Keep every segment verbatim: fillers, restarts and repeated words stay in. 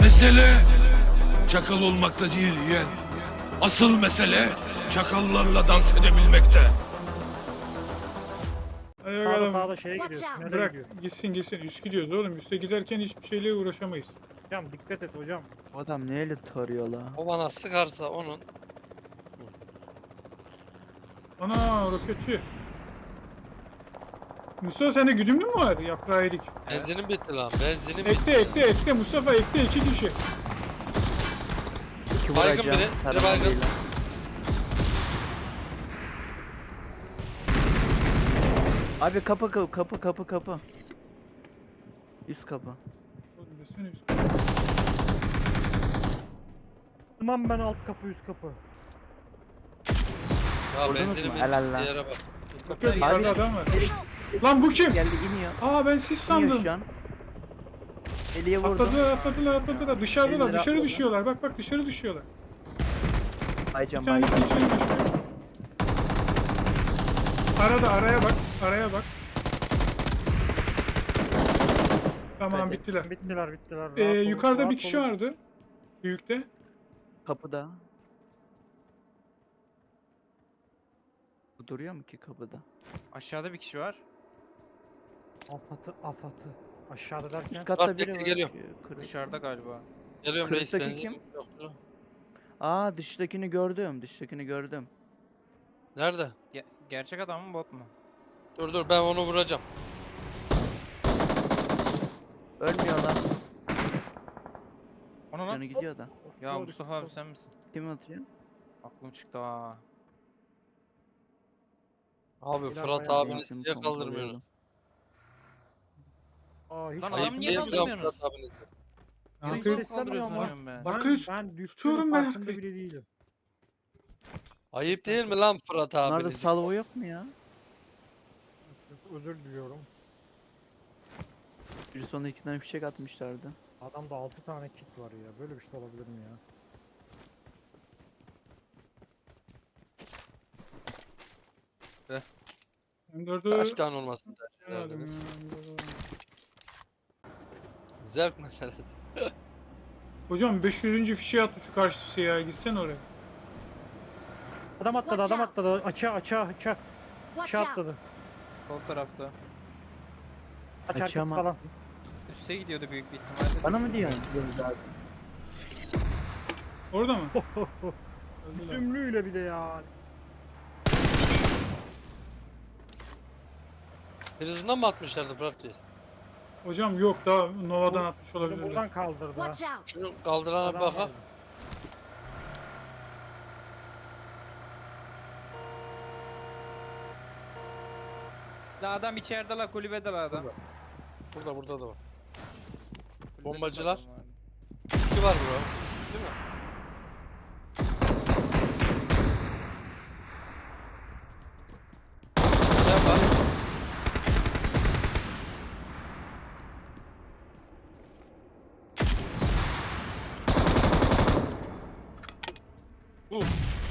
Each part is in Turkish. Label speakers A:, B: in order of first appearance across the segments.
A: Mesele çakal olmakta değil yeğen. Asıl mesele çakallarla dans edebilmekte.
B: Hadi
C: Sağda
B: bakalım.
C: sağda şeye
D: Watch
C: gidiyorsun.
D: out.
C: Nereye
B: Bırak
C: gidiyorsun?
B: gitsin gitsin. Üst gidiyoruz oğlum. Üste giderken hiçbir şeyle uğraşamayız.
C: Hocam dikkat et hocam.
E: Adam neyle tarıyor la?
F: O bana sıkarsa onun
B: Ana roketçi. Mustafa sende güdümlü mü var? Yaprağı yedik.
F: benzinim bitti lan. Benzinim bitti.
B: Ekle ekle ekle Mustafa ekle iki kişi.
E: İki
F: Baygın
E: vuracağım.
F: biri, biri
E: tarama
F: baygın.
E: değil lan. Abi kapı kapı kapı kapı kapı. Üst kapı.
B: Oğlum desene üst.
C: Tamam ben alt kapı üst kapı.
F: Ya
E: Vurdunuz
F: benzinim
E: mu?
F: bitti.
E: Helal lan.
F: Yere bak.
B: Bakıyor yukarıda
E: Abi-
B: adam var. Lan bu kim?
E: Geldi iniyor.
B: Aa ben siz
E: İniyor
B: sandım.
E: şu an. Eliye vurdu.
B: Atladılar atladılar atladılar. Dışarıdalar
E: Elleri
B: dışarı
E: atladı.
B: düşüyorlar. Bak bak dışarı düşüyorlar. Bir
E: Aycan
B: tanesi
E: baycan.
B: içeri düşüyor. Arada araya bak. Araya bak. Tamam
E: Hadi.
B: bittiler.
C: Bittiler bittiler. Rahat
B: Ee,
C: olun,
B: yukarıda
C: rahat
B: bir kişi
C: olun.
B: vardı. Büyükte.
E: Kapıda. Bu duruyor mu ki kapıda?
G: Aşağıda bir kişi var.
C: Afatı afatı. Aşağıda derken.
E: Üst katta
F: Bak,
E: biri
F: bekle,
E: var.
F: geliyorum.
E: Ee, kırık.
G: Dışarıda galiba.
F: Geliyorum reis
E: Kırıktaki
F: benzinim
E: kim?
F: yoktu.
E: Aa dıştakini gördüm. Dıştakini gördüm.
F: Nerede?
G: Ge- gerçek adam mı bot mu?
F: Dur dur ben onu vuracağım.
E: Ölmüyor lan.
G: Ona
E: Canı
G: lan.
E: gidiyor da.
G: Ya
C: Doğru,
G: Mustafa abi
C: doğru.
G: sen misin?
E: Kim atıyor?
G: Aklım çıktı ha.
F: Abi
C: Bilal
F: Fırat
C: bayağı
F: abiniz
E: Benzin
F: niye kaldırmıyorsunuz?
E: pompalayalım.
C: Aa hiç
G: Lan
F: Ayıp
G: adam niye
F: değil mi lan
G: kaldırmıyorsunuz?
F: Fırat abiniz?
B: Ne
C: Hiç
B: yapıyor?
C: ses-
G: Kaldırıyorsun
C: Bak-
G: diyorum ben.
B: bak-
C: ben,
B: Arkayı
C: ben düştüğümün
B: tutuyorum ben
C: farkında
B: arkayı.
C: bile değilim.
F: Ayıp değil mi lan Fırat
E: Bunlarda
F: abiniz?
E: salvo yok mu ya?
C: Özür diliyorum.
E: Bir sonra iki tane fişek atmışlardı.
C: Adamda altı tane kit var ya. Böyle bir şey olabilir mi ya?
B: M dördü
F: Kaç tane olmasın tercih
B: Herhalde
F: ederdiniz?
B: ya, M dördü.
F: Zevk meselesi.
B: Hocam beş yüzüncü fişe attı şu karşısı ya. Gitsene oraya.
C: Adam atladı
D: Watch
C: adam
D: out.
C: atladı. Açığa açığa açığa.
D: Watch
C: Açığa
D: out.
C: atladı.
G: Sol tarafta.
C: Aç
E: Açığa
C: arkası
E: mı?
C: falan.
G: Üste gidiyordu büyük bir ihtimalle.
E: Bana mı diyorsun?
B: Orada mı? Öldüler.
C: Tümlüyle bir de ya.
F: Birisinden mi atmışlardı Fırat reis?
B: Hocam yok daha Nova'dan
C: Bu-
B: atmış
C: Bunu
B: olabilirler.
C: buradan kaldırdı. ha.
D: Watch out.
F: Şunu kaldırana bir
C: Adam
F: bakak.
C: vardı.
G: La adam içeride la kulübede la adam.
F: Burada. Burada burada da var.
G: Kulübede
F: Bombacılar.
G: adam var.
F: İki var bro. Değil mi? Sen var. Uh.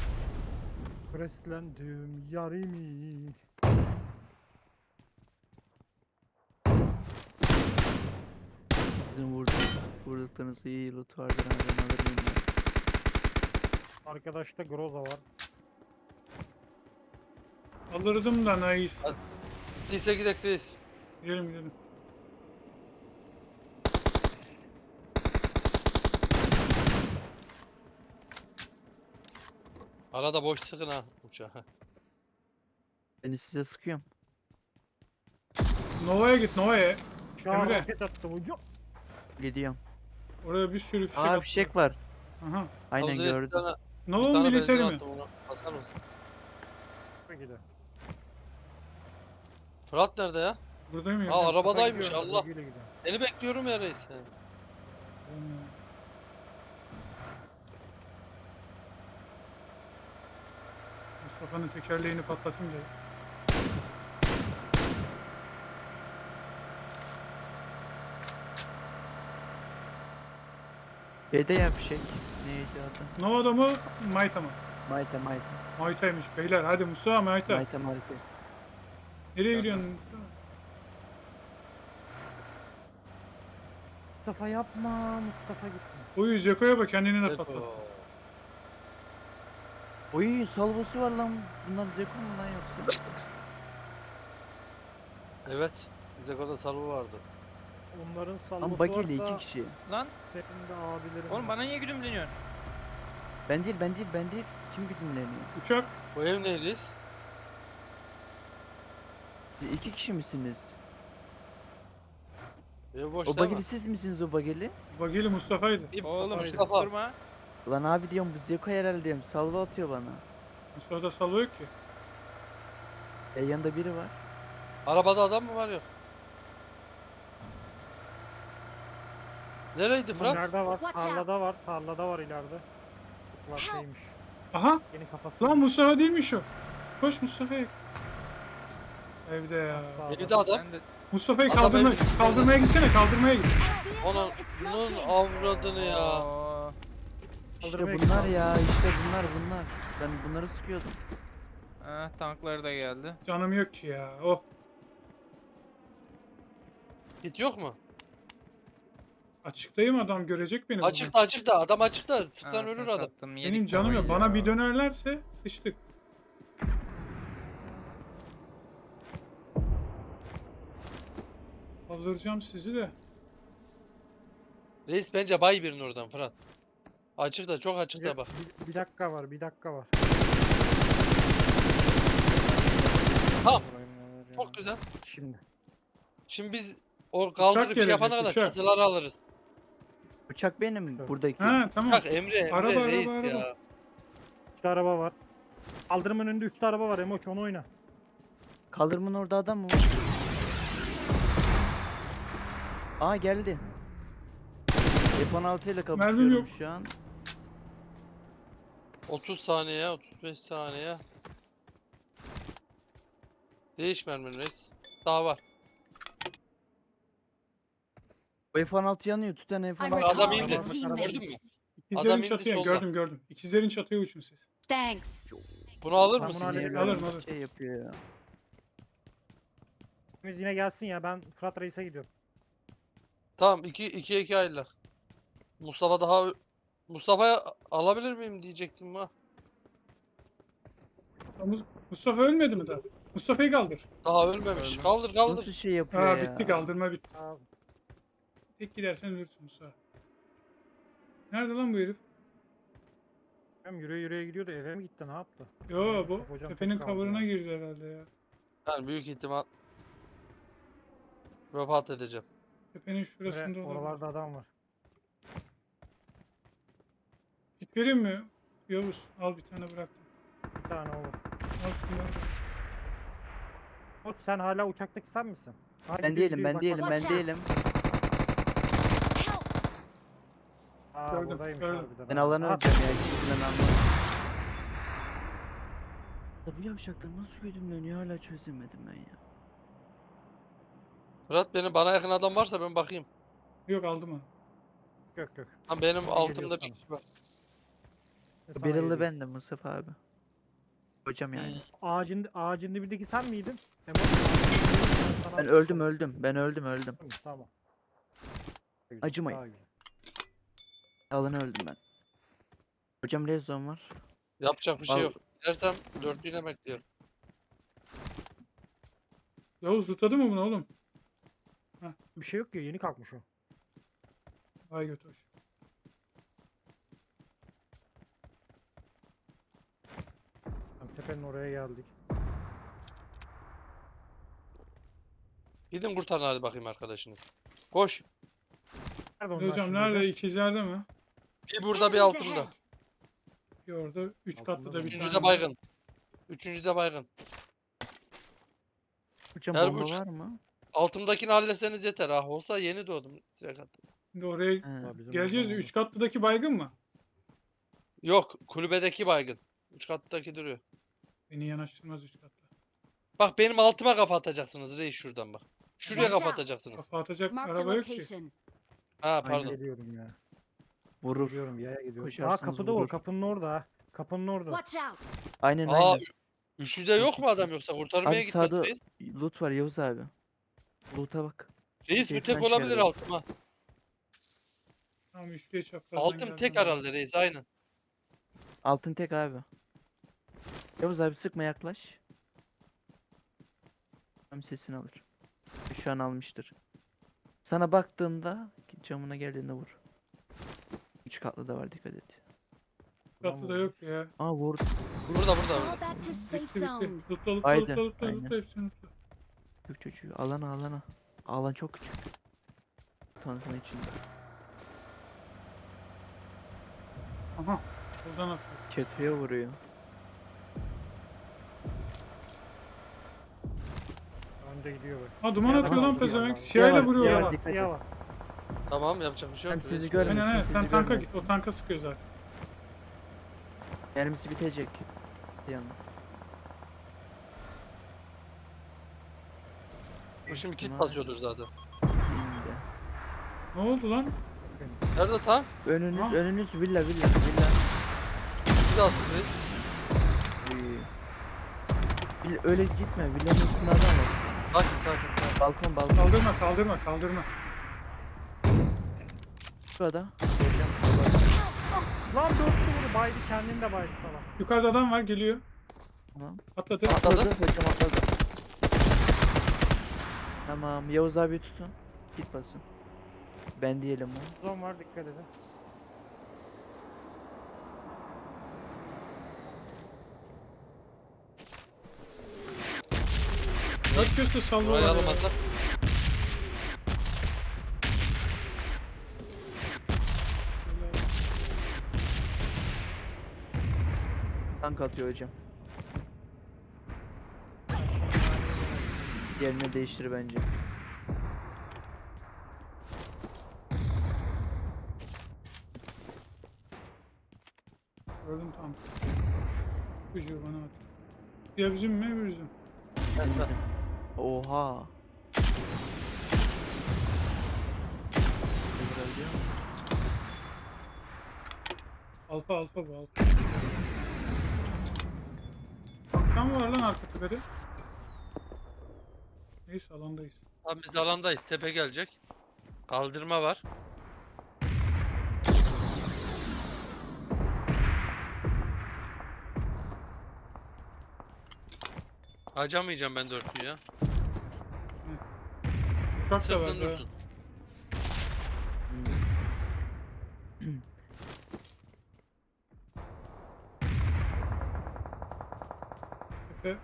C: Preslendim yarimi.
E: Bizim vurduk, vurduklarınızda iyi loot vardır. Ha, ben alır mıyım ya?
C: Arkadaşta Groza var.
B: Alırdım da nice.
F: Hadi. Bittiyse gidek reis.
B: Gidelim gidelim.
F: Arada boş sıkın ha uçağı.
E: Beni size sıkıyorum.
B: Nova'ya git Nova'ya.
C: Şu an
B: Emre.
C: roket attı bu. Yok.
E: Gidiyorum.
B: Oraya bir sürü fişek
E: Aa
B: attılar.
E: fişek var.
B: Aha.
E: Aynen
F: Al reis, bir
E: gördüm.
F: tane, bir
B: Nova
F: tane
B: militeri
F: benzin
B: mi?
F: attım onu. Basar mısın?
C: Gider.
F: Fırat nerede ya?
B: Buradayım ya.
F: Aa arabadaymış
C: Gidiyor,
F: Allah.
C: güle güle.
F: Seni bekliyorum ya reis.
B: Mustafa'nın tekerleğini patlatayım da.
E: Şeyde ya fişek. Neydi adı?
B: Nova'da mı? Mayta mı?
E: Mayta Mayta.
B: Mayta'ymış beyler. Hadi Mustafa Mayta.
E: Mayta Mayta.
B: Nereye gidiyorsun Mustafa?
C: Mustafa yapma. Mustafa gitme.
B: Uyu Zeko'ya bak kendini de
F: Zeko.
B: patlat.
E: Oy salvosu var lan. Bunlar Zeko mu lan yoksa?
F: Evet. Zeko'da salvo vardı.
C: Onların salvosu
E: Lan bageli
C: varsa
E: iki kişi.
G: Lan
C: benim de abilerim
G: oğlum
C: var.
G: bana niye güdümleniyorsun?
E: Ben değil ben değil ben değil. Kim güdümleniyor?
B: Uçak.
F: Bu ev neydeyiz?
E: Siz iki kişi misiniz?
F: Ev boş
E: O
F: değil mi?
E: bageli siz misiniz o bageli?
B: Bageli Mustafa'ydı.
F: İp-
G: Oğlum
F: Mustafa.
G: durma.
E: Lan abi diyorum bu Zeko herhalde diyorum. Salvo atıyor bana.
B: Mustafa'da salvo yok ki.
E: E yanında biri var.
F: Arabada adam mı var yok? Nereydi
C: Ama
F: Fırat?
C: Nerede var?
D: Watch
C: Tarlada
D: out.
C: var. Tarlada var ileride. Kulaklaymış.
B: Aha.
C: Yeni kafası.
B: Lan Mustafa değilmiş o. Koş Mustafa'ya. Evde ya.
F: Evde adam.
G: Ben de
B: Mustafa'yı
F: Adam
B: kaldırma,
F: evde.
B: kaldırmaya gitsene kaldırmaya git.
F: Onun, bunun avradını ya.
G: Aa,
E: İşte
C: Kaldırmaya
E: bunlar
C: git.
E: ya işte bunlar bunlar. Ben bunları sıkıyordum.
G: ah, tankları da geldi.
B: Canım yok ki ya. Oh.
F: Git yok mu?
B: Açıktayım adam görecek beni. buradan.
F: Açıkta açıkta adam açıkta. Sıksan
G: Anasını
F: ölür adam.
G: sattım, yedik
B: Benim canım yok.
G: kafayı
B: Bana
G: ya.
B: bir dönerlerse sıçtık. Kaldıracağım sizi de.
F: Reis bence bay birini oradan Fırat. Açıkta çok açıkta
C: Bir,
F: bak.
C: bir, bir dakika var. Bir dakika var.
F: Tamam.
G: Burayı neler ya.
F: Çok güzel.
C: Şimdi.
F: Şimdi biz o kaldırıp şey
B: gelecek,
F: yapana kadar
B: uçak.
F: çatıları alırız.
E: Uçak benim
C: Evet.
E: buradaki.
B: Ha tamam.
F: Bak Emre Emre
B: Araba, araba,
F: reis
B: araba.
F: ya.
C: Üçlü araba var. Kaldırımın önünde üçlü araba var. Emoç onu oyna.
E: Kaldırımın orada adam mı var? Aa geldi. F on altı ile
B: Mermim
E: kapışıyorum
B: yok.
E: şu an.
F: otuz saniye otuz beş saniye. Değiş mermin reis. Daha var.
E: O F on altı yanıyor. Tüten F on
D: I'm
E: altı.
F: Adam
D: recalling
F: indi.
D: a
F: Gördün mü?
D: teammate.
B: İkizlerin
F: indi
B: çatıya
F: solda.
B: gördüm gördüm. İkizlerin çatıya uçun siz.
D: Thanks.
F: Bunu alır
C: Tamam,
F: mısın?
C: bunu
E: Niye
C: hallediyorum.
E: böyle
B: Alırım, alırım.
E: Şey yapıyor ya.
C: Biz yine gelsin ya. Ben Fırat Reis'e gidiyorum.
F: Tamam iki iki iki ayrılar. Mustafa daha Mustafa'ya alabilir miyim diyecektim ha.
B: Mus- Mustafa ölmedi mi daha? Mustafa'yı kaldır.
F: Daha ölmemiş. Kaldır kaldır.
E: Nasıl şey yapıyor
B: Ha
E: ya?
B: bitti kaldırma bitti.
C: Aa,
B: Tek gidersen ölürsün Mustafa. Nerede lan bu herif?
C: hem yürüye yürüye gidiyordu. Eve mi gitti? Ne yaptı?
B: Yo bu
C: Mustafa hocam
B: tepenin
C: tek kaldı
B: cover'ına
C: ya.
B: girdi herhalde ya.
F: Yani büyük ihtimal vefat edeceğim.
B: Tepenin şurasında
C: Emre,
B: olabilir.
C: oralarda adam var.
B: Git vereyim mi? Yavuz al bir tane bıraktım.
C: Bir tane olur.
B: Al şunları.
C: Emoç sen hala uçaktaki sen misin? Ha,
E: Ben
C: gidiyor,
E: değilim
C: gidiyor,
E: ben
C: bak,
E: değilim
C: bak.
E: ben
D: Watch out.
E: değilim.
C: Aa,
B: Gördüm,
C: buradaymış
B: gördüm.
C: harbiden.
E: Ben
C: ha.
E: alanı
C: Ha,
E: öleceğim ya. Hiçbirinden anlamadım. Ya bu yavşaklar nasıl güdümleniyor hala çözemedim ben ya.
F: Fırat benim bana yakın adam varsa ben bakayım.
B: Yok aldım onu.
C: Yok yok.
F: Lan benim
C: Sana
F: altımda
C: geliyor
F: bir
C: sana.
F: kişi var.
C: Sana
E: Barrel'lı
C: geliyor.
E: bendim Mustafa abi. Hocam yani.
C: Ağacın, ağacın dibindeki sen miydin? Emoç, ağacın dibindeki sana-
E: Ben öldüm öldüm. Ben öldüm öldüm.
C: Tamam.
E: Acımayın.
C: Daha güzel.
E: Alanı öldüm ben. Hocam rezon var.
F: Yapacak bir şey
E: Al.
F: yok. Dersem dörtlüğüne bekliyorum.
B: Yavuz tutadı mı bunu oğlum?
C: Bir şey yok ki yeni kalkmış o.
B: Vay götür.
C: Tamam, tepenin oraya geldik.
F: Gidin kurtarın hadi bakayım arkadaşınız. Koş.
C: Nerede onlar
B: Hocam
C: şimdi
B: nerede? İkizlerde mi?
F: Bir burada bir
D: Enemies
F: altımda.
D: ahead.
B: Bir orada. Üç
C: Altında
B: katlı
C: mı?
B: da bir
F: Üçüncü
B: tane.
F: de baygın. Üçüncü de baygın.
E: Hocam
F: Her
E: bomba
F: uç-
E: var mı?
F: Altımdakini halletseniz yeter. Ah olsa yeni doğdum. Direkt attım.
B: Şimdi oraya
E: He.
C: Aa, bizim
B: geleceğiz.
C: oradan
B: Üç katlıdaki baygın mı?
F: Yok kulübedeki baygın. Üç kattaki duruyor.
B: Beni yanaştırmaz üç katlı.
F: Bak benim altıma kafa atacaksınız reis şuradan bak. Şuraya
D: Watch
F: kafa
D: out.
F: atacaksınız.
B: Kafa atacak
D: Marked a
B: araba yok ki.
D: location.
F: Ha
E: Aynen.
F: pardon.
C: Geliyorum ya.
E: Vurur.
C: Gidiyorum yaya gidiyorum. Aa
E: Koşarsanız
C: kapıda o.
E: vurur.
C: Kapının orada ha. Kapının orada.
D: Watch out.
E: Aynen
F: Aa
E: aynen.
F: üçlüde yok mu adam yoksa kurtarmaya
E: Abi
F: gitmedi
E: sağda
F: reis.
E: loot var Yavuz abi. Loot'a bak.
F: Reis
E: keyiften
F: bir tek olabilir
E: çıkarıyor.
F: altıma.
B: Tamam üçlüye çaprazdan
F: Altın
B: geldim
F: tek
B: ben.
F: herhalde reis aynen.
E: Altın tek abi. Yavuz abi sıkma, yaklaş. Tam sesini alır. Şu an almıştır. Sana baktığında camına geldiğinde vur. Üç katlı da var, dikkat et.
B: Katlı da yok ya.
E: Aa vurdu.
F: Burada burada
D: Fall
F: burada.
D: back to safe
B: Bitti
D: zone.
B: bitti. Lootla lootla
E: Haydi,
B: lootla lootla
E: aynen.
B: lootla hepsini lootla.
E: Küçük çocuğu. Alana alana. Alan çok küçük. Tankın içinde.
B: Aha. Buradan atıyor.
E: Çatıya vuruyor.
C: Önde gidiyor böyle.
B: Ha duman
C: Siyah
B: atıyor
C: var,
B: lan
C: siyah
B: pezevenk.
C: var.
B: Siyahla
E: Siyah var,
B: vuruyor
E: siyah
B: ya.
E: var. Dikkat
C: Siyah
E: et.
C: var.
F: Tamam yapacak bir şey yok.
E: Hem sizi
F: reis.
E: görmesin.
B: Aynen aynen
E: sizi
B: sen tanka
E: görmesin.
B: git. O tanka sıkıyor zaten.
E: Mermisi bitecek. Yanına.
F: Bu şimdi kit
E: Tamam.
F: basıyordur zaten.
E: İndi.
B: Ne oldu lan?
F: Nerede tam?
E: Önünüz,
B: Ha?
E: önünüz villa villa villa.
F: Bir daha sık reis.
E: Uy. Villa- öyle gitme. Villanın üstünde adam var.
F: Sakin sakin sakin.
E: Balkon balkon.
B: Kaldırma kaldırma kaldırma.
E: Şurada.
C: Lan dörtlü vurdu. Baydı, kendini de baydı salak.
B: Yukarıda adam var geliyor.
E: Tamam.
B: Atladı.
F: Atladı.
E: Atladı. Hocam atladı. Tamam. Yavuz abi tutun. Git basın. Ben diyelim o.
C: Zon var, dikkat edin.
B: Dört köşte
F: Burayı
B: sallıyorlar ya.
F: alamazsak.
E: Tank atıyor hocam. Yerini değiştir bence.
B: Gördüm tam. Çocuğu bana at. Ya bizim mi öbür bizim?
E: Bizim bizim. Oha. Öldürüyor mu?
B: Alfa alfa bu alfa. Tam var lan arka tepede. Neyse alandayız.
F: Tamam biz alandayız. Tepe gelecek. Kaldırma var. Harcamayacağım ben dörtlüyü ya.
B: Uçak da var.
F: Sıksın
B: ya.
F: dursun.
B: Tepe.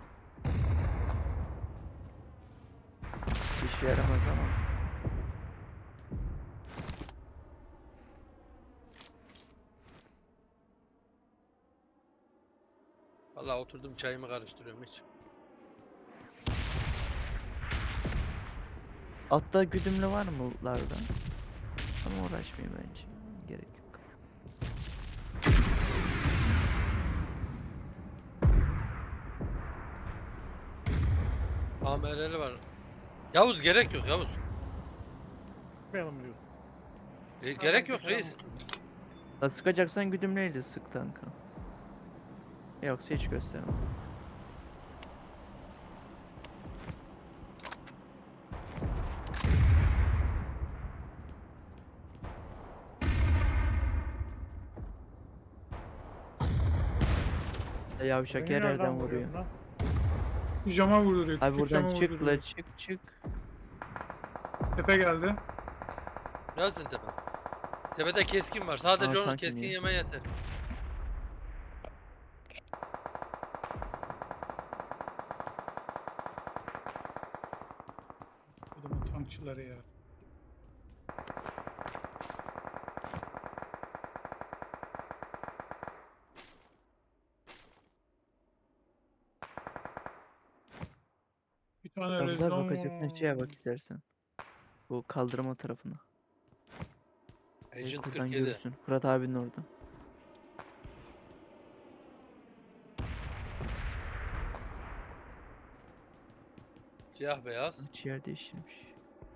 E: Bir şey yaramaz ama.
F: Vallahi oturdum çayımı karıştırıyorum hiç.
E: Altta güdümlü var mı lootlarda? Ama uğraşmayayım bence. Gerek yok.
F: A M R'li var. Yavuz gerek yok Yavuz.
C: Sıkmayalım diyorsun.
F: E, gerek yok reis.
E: La sıkacaksan güdümleyle sık tanka. Yoksa hiç gösterme. Yavşak
C: Beni
E: yer
C: nereden
E: yerden
C: vuruyor
E: vuruyor.
C: lan?
B: Bu cama vurduruyor.
E: Abi
B: Küçük
E: buradan
B: cama
E: çık
B: vurduruyor.
E: la çık çık.
B: Tepe geldi.
F: Gelsin tepe. Tepede keskin var. Sadece
E: Aa,
F: onun
E: tank
F: keskin
E: iniyor.
F: yeme yeter.
B: Adamın tankçıları ya. Bir tane
E: Yavuz abi
B: rezon.
E: bakacaksın şeye bak istersen. Bu kaldırma tarafına.
F: Agent
E: Buradan
F: kırk yedi.
E: görürsün. Fırat abinin orada.
F: Siyah beyaz.
E: Hiç yer değiştirmiş.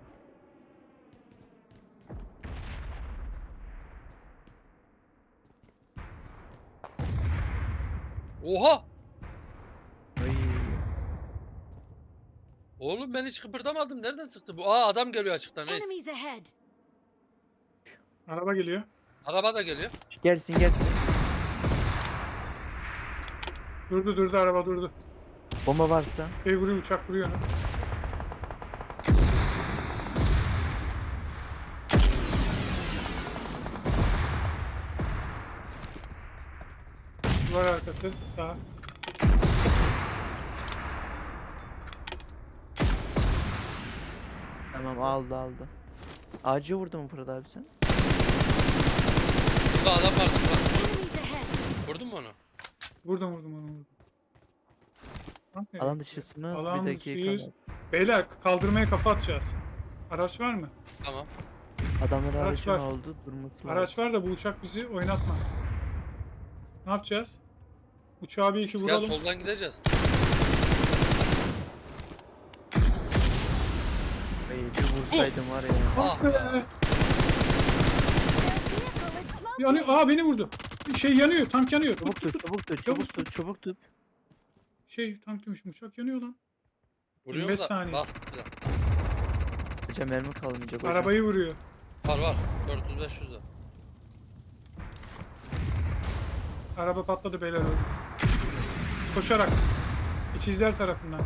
F: Oha!
E: Ay.
F: Oğlum ben hiç kıpırdamadım. Nereden sıktı bu? Aa adam geliyor açıktan reis.
D: Enemies ahead.
B: Araba geliyor.
F: Araba da geliyor.
E: Gelsin gelsin.
B: Durdu durdu araba durdu.
E: Bomba varsa.
B: Şey vuruyor uçak vuruyor onu. Duvar arkası sağ.
E: Tamam aldı aldı. Ağacı vurdu mu Fırat abi sen?
F: Şurada adam vardı. Bak.
D: Enemies ahead.
F: Vurdun mu onu?
B: Vurdum vurdum onu vurdum. Lan nereye
E: Alan
B: gitti?
E: dışısınız
B: Alan
E: bir dakika.
B: dışıyız.
E: var.
B: Beyler kaldırmaya kafa atacağız. Araç var mı?
F: Tamam.
E: Adamların
B: Araç
E: aracı
B: var.
E: ne oldu? Durması lazım.
B: Araç var da bu uçak bizi oynatmaz. Ne yapacağız? Uçağa bir iki
F: Gel
B: vuralım.
F: soldan gideceğiz.
E: Ay, bir vursaydım var ya.
F: Ah
B: Be.
F: be.
D: Their vehicle is smoking.
B: Yanıyor. Aa beni vurdu. Şey yanıyor. Tank yanıyor. Tut,
E: Çabuk
B: tut,
E: tut,
B: tut.
E: çabuk tut,
B: Çabuk
E: çabuk tut, çabuk tut.
B: Şey tank demişim. Uçak yanıyor lan.
F: Vuruyor
B: yirmi beş
F: da.
B: saniye.
F: Bas.
E: Hocam mermi kalmayacak hocam.
B: Arabayı vuruyor.
F: Var var. dört yüz beş yüz de.
B: Araba patladı beyler öldü. Koşarak. İkizler tarafından.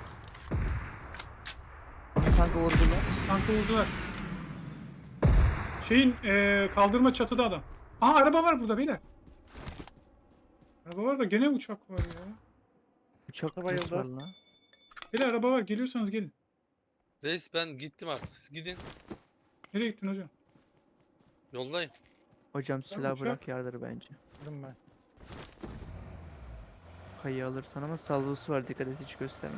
E: Tankı vurdular.
B: Tankı vurdular. Şeyin eee, kaldırma çatıda adam. Aa araba var burada beyler. Araba var da gene uçak var ya.
E: Uçak
C: Bayıldı.
E: nasıl var lan?
B: Beyler araba var. Geliyorsanız gelin.
F: Reis ben gittim artık. Siz gidin.
B: Nereye gittin hocam?
F: Yoldayım.
E: Hocam silah
B: uçak-
E: bırak yardır bence.
C: Vurdum ben.
E: Kayı alırsan ama salvosu var dikkat et hiç gösterme.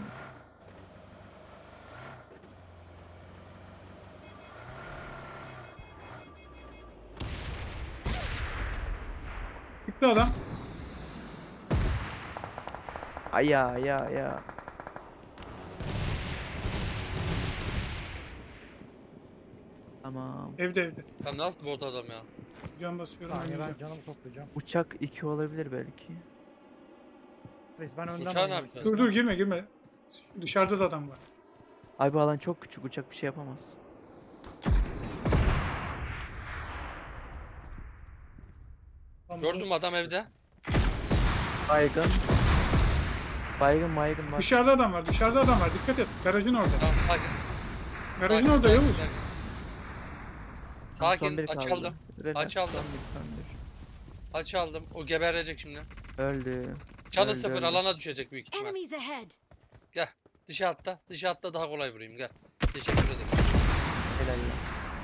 B: Gitti adam.
E: Aya ya ya. Tamam.
B: Evde evde.
F: Ya nasıl bot adam ya?
B: Can basıyorum.
C: Saniye ben
B: oynayacağım.
C: canımı toplayacağım.
E: Uçak iki olabilir belki.
C: Reis ben önden
F: Uçağı ne
C: oynayayım
F: yapacağız?
B: Dur
C: istiyorsan.
B: dur girme girme. Dışarıda da adam var.
E: Abi alan çok küçük uçak bir şey yapamaz.
B: Tamam,
F: Gördüm adam evde.
E: Baygın. Baygın baygın var.
B: Dışarıda adam var. Dışarıda adam var. Dikkat et. Garajın orada.
F: Tamam sakin.
B: Garajın
F: Sakin,
B: orada
F: sakin,
B: Yavuz.
F: sakin.
E: Tamam, son
F: Sakin,
E: biri
F: aç
E: kaldı.
F: aldım.
E: Relax,
F: Aç aldım.
E: son bir, son bir.
F: Aç aldım. O geberecek şimdi.
E: Öldü.
F: Canı
E: Öldü,
F: sıfır
E: öldü.
F: alana düşecek büyük ihtimal.
D: Enemies ahead.
F: Dışa atla. Dışa atla daha kolay vurayım gel. Teşekkür ederim.
E: Helal ya.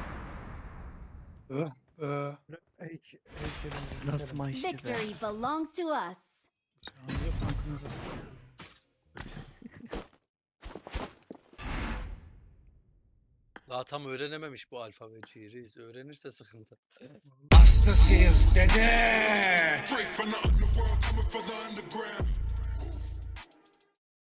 B: Ee,
C: Ey, ey, şeyden
E: Nasıl
C: gidelim.
E: maçtı be.
D: Victory belongs to us.
B: saniye tankınıza.
F: Daha tam öğrenememiş bu alfabeciyi reis. Öğrenirse sıkıntı.
A: Hastasıyız dede.
H: Straight from the underworld, coming for the